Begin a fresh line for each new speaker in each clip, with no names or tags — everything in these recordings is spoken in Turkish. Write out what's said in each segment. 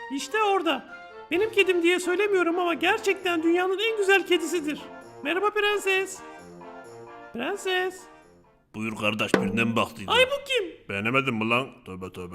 İşte orada. Benim kedim diye söylemiyorum ama gerçekten dünyanın en güzel kedisidir. Merhaba prenses. Prenses.
Buyur kardeş, birine mi baktıydın?
Ay bu kim?
Beğenemedin mi lan? Tövbe tövbe.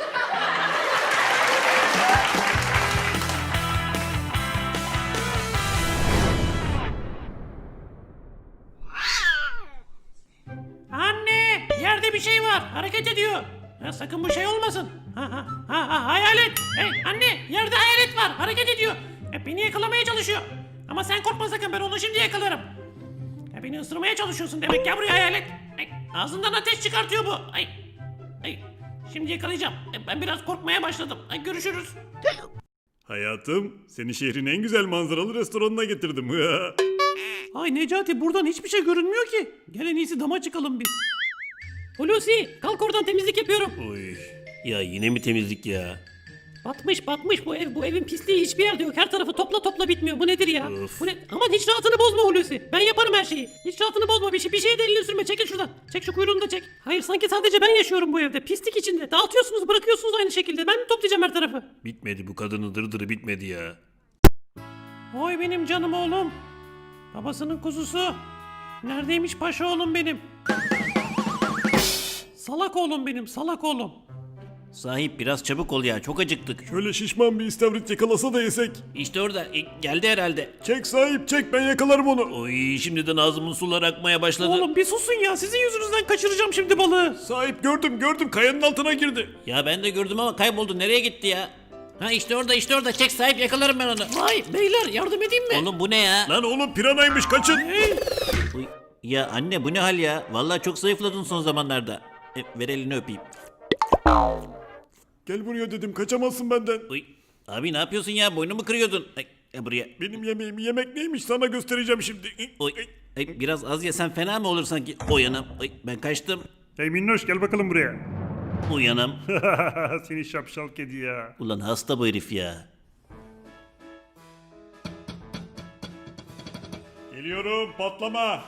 Anne! Yerde bir şey var. Hareket ediyor. Ha, sakın bu şey olmasın. Hayalet. Hey anne! Yerde hayalet var. Hareket ediyor. Beni yakalamaya çalışıyor. Ama sen korkma sakın. Ben onu şimdi yakalarım. Beni ısırmaya çalışıyorsun demek. Gel buraya hayalet. Ağzından ateş çıkartıyor bu. Şimdi yakalayacağım. Ben biraz korkmaya başladım. Görüşürüz.
Hayatım, seni şehrin en güzel manzaralı restoranına getirdim.
Ay Necati buradan hiçbir şey görünmüyor ki. Gel en iyisi dama çıkalım biz. Hulusi kalk oradan temizlik yapıyorum.
Oy. Ya yine mi temizlik ya?
Batmış bu ev. Bu evin pisliği hiçbir yerde yok. Her tarafı topla bitmiyor. Bu nedir ya?
Of.
Bu ne? Aman hiç rahatını bozma Hulusi. Ben yaparım her şeyi. Hiç rahatını bozma. Bir şeye de elini sürme. Çekil şuradan. Çek şu kuyruğunu da çek. Hayır sanki sadece ben yaşıyorum bu evde. Pislik içinde. Dağıtıyorsunuz bırakıyorsunuz aynı şekilde. Ben mi toplayacağım her tarafı?
Bitmedi, bu kadının dırdırı bitmedi ya.
Oy benim canım oğlum. Babasının kuzusu. Neredeymiş paşa oğlum benim? Salak oğlum benim, salak oğlum.
Sahip biraz çabuk ol ya, çok acıktık.
Şöyle şişman bir istavrit yakalasa da yesek.
İşte orada geldi herhalde.
Çek sahip, çek, ben yakalarım onu.
Oy şimdiden ağzımın suları akmaya başladı.
Oğlum bir susun ya, sizin yüzünüzden kaçıracağım şimdi balığı.
Sahip, gördüm, kayanın altına girdi.
Ya ben de gördüm ama kayboldu, nereye gitti ya? Ha işte orada çek sahip, yakalarım ben onu.
Vay beyler yardım edeyim mi?
Oğlum bu ne ya?
Lan oğlum, piranaymış, kaçın.
Uy, ya anne bu ne hal ya? Vallahi çok zayıfladın son zamanlarda. Ver elini öpeyim.
Gel buraya dedim, kaçamazsın benden.
Uy, abi ne yapıyorsun ya? Boynumu kırıyordun. Buraya.
Benim yemeğim, yemek neymiş sana göstereceğim şimdi.
Oy, biraz az yesen fena mı olur sanki? Uyanam. Ben kaçtım.
Hey minnoş, gel bakalım buraya.
Uyanam.
Seni şapşal kedi ya.
Ulan hasta bu herif ya.
Geliyorum, patlama.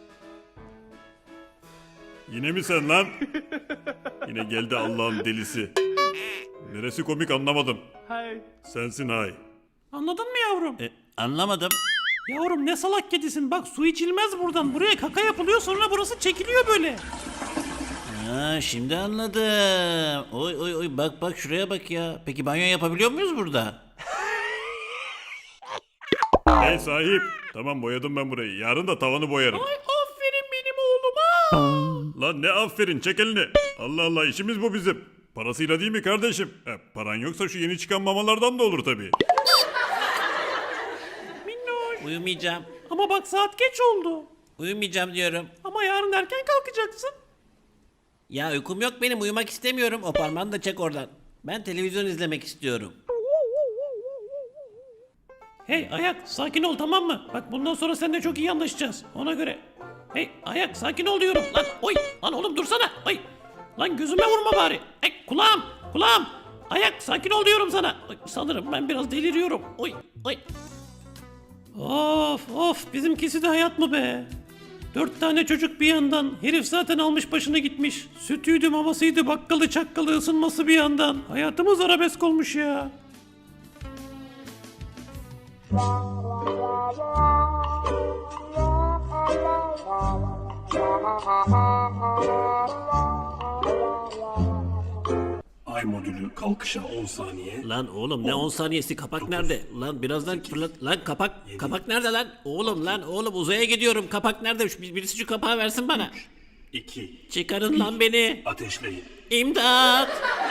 Yine mi sen lan? Yine geldi Allah'ın delisi. Neresi komik anlamadım. Sensin hay.
Anladın mı yavrum?
Anlamadım.
Yavrum ne salak kedisin, bak su içilmez buradan. Buraya kaka yapılıyor sonra burası çekiliyor böyle.
Ha, şimdi anladım. Oy bak şuraya bak ya. Peki banyo yapabiliyor muyuz burada?
Hey sahip. Tamam, boyadım ben burayı. Yarın da tavanı boyarım.
Ay aferin benim oğluma.
Lan ne aferin, çek elini. Allah Allah, işimiz bu bizim. Parasıyla değil mi kardeşim? Paran yoksa şu yeni çıkan mamalardan da olur tabii.
Minnoş.
Uyumayacağım.
Ama bak saat geç oldu.
Uyumayacağım diyorum.
Ama yarın erken kalkacaksın.
Ya uykum yok benim, uyumak istemiyorum. O parmağını da çek oradan. Ben televizyon izlemek istiyorum.
Hey ayak sakin ol tamam mı? Bak bundan sonra seninle çok iyi anlaşacağız. Ona göre. Hey ayak sakin ol diyorum. Lan oy lan oğlum dursana. Oy. Lan gözüme vurma bari. Kulağım. Ayak sakin ol diyorum sana. Oy, sanırım ben biraz deliriyorum. Oy. Of bizimkisi de hayat mı be? 4 tane çocuk bir yandan. Herif zaten almış başını gitmiş. Sütüydü mamasıydı bakkalı çakkalı ısınması bir yandan. Hayatımız arabesk olmuş ya.
Ay modülü kalkışa 10 saniye.
Lan oğlum ne 10 saniyesi, kapak nerede? Lan birazdan fırlat. Lan kapak nerede lan? Oğlum uzaya gidiyorum. Kapak nerede? Birisi şu kapağı versin bana.
2.
Çıkarın lan beni.
Ateşleyin.
İmdat.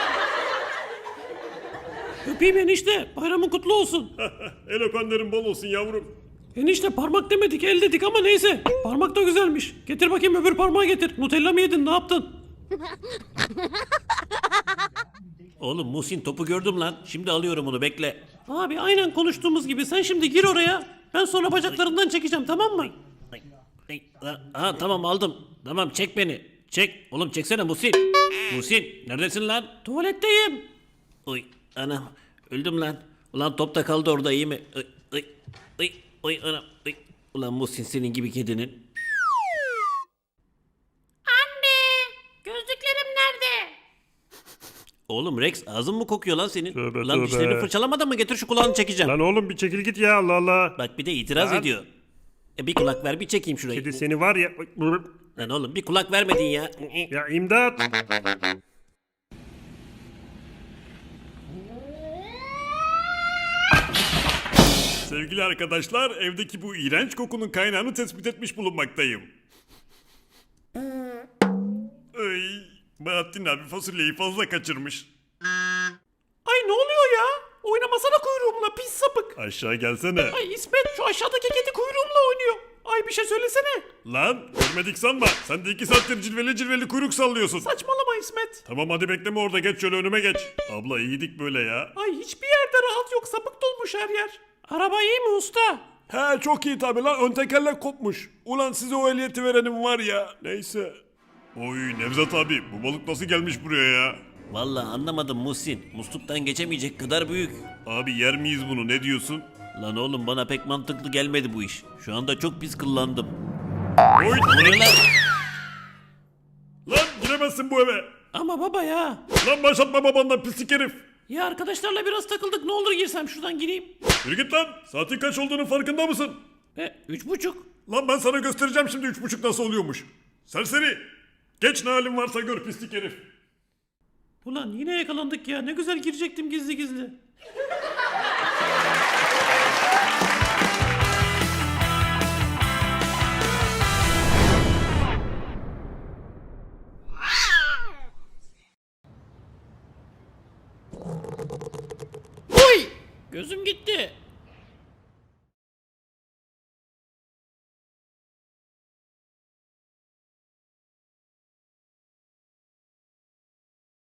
Öpeyim enişte. Bayramın kutlu olsun.
El öpenlerin bol olsun yavrum.
Enişte parmak demedik el dedik ama neyse. Parmak da güzelmiş. Getir bakayım öbür parmağı getir. Nutella mı yedin ne yaptın?
Oğlum Muhsin topu gördüm lan. Şimdi alıyorum onu, bekle.
Abi aynen konuştuğumuz gibi sen şimdi gir oraya. Ben sonra bacaklarından çekeceğim tamam mı?
Ha tamam aldım. Tamam çek beni. Çek. Oğlum çeksene Muhsin. Muhsin neredesin lan?
Tuvaletteyim.
Oy anam öldüm lan. Ulan top da kaldı orada, iyi mi? Oy anam. Oy. Ulan Muhsin senin gibi kedinin.
Anne gözlüklerim nerede?
Oğlum Rex ağzın mı kokuyor lan senin?
Tövbe,
Lan
tövbe.
dişlerini fırçalamadın mı? Getir şu kulağını çekeceğim.
Lan oğlum bir çekil git ya Allah Allah.
Bak bir de itiraz
Lan.
ediyor. Bir kulak ver bir çekeyim şurayı.
Kedi seni var ya.
Lan oğlum bir kulak vermedin ya.
Ya imdat. Sevgili arkadaşlar, evdeki bu iğrenç kokunun kaynağını tespit etmiş bulunmaktayım. Ay, Bahattin abi fasulyeyi fazla kaçırmış.
Ay ne oluyor ya? Oynamasana kuyruğumla pis sapık.
Aşağı gelsene.
Ay İsmet şu aşağıdaki kedi kuyruğumla oynuyor. Ay bir şey söylesene.
Lan görmedik sanma. Sen de 2 saattir cilveli cilveli kuyruk sallıyorsun.
Saçmalama İsmet.
Tamam hadi bekleme orada, geç şöyle önüme geç. Abla iyiydik böyle ya.
Ay hiçbir yerde rahat yok, sapık dolmuş her yer. Araba iyi mi usta?
He çok iyi tabi lan, ön tekerlek kopmuş. Ulan size o ehliyeti verenim var ya. Neyse. Oy Nevzat abi, bu balık nasıl gelmiş buraya ya?
Vallahi anlamadım Muhsin. Musluktan geçemeyecek kadar büyük.
Abi yer miyiz bunu, ne diyorsun?
Lan oğlum bana pek mantıklı gelmedi bu iş. Şu anda çok pis kıllandım.
Oy
Buraya lan.
lan giremezsin bu eve.
Ama baba ya.
Lan başlatma babandan pislik herif.
Ya arkadaşlarla biraz takıldık, ne olur girsem şuradan gireyim.
Yürü git lan, saatin kaç olduğunun farkında mısın?
3.30.
Lan ben sana göstereceğim şimdi 3.30 nasıl oluyormuş. Serseri. Geç ne halin varsa gör pislik herif.
Ulan yine yakalandık ya, ne güzel girecektim gizli gizli. Oy! Gözüm gitti.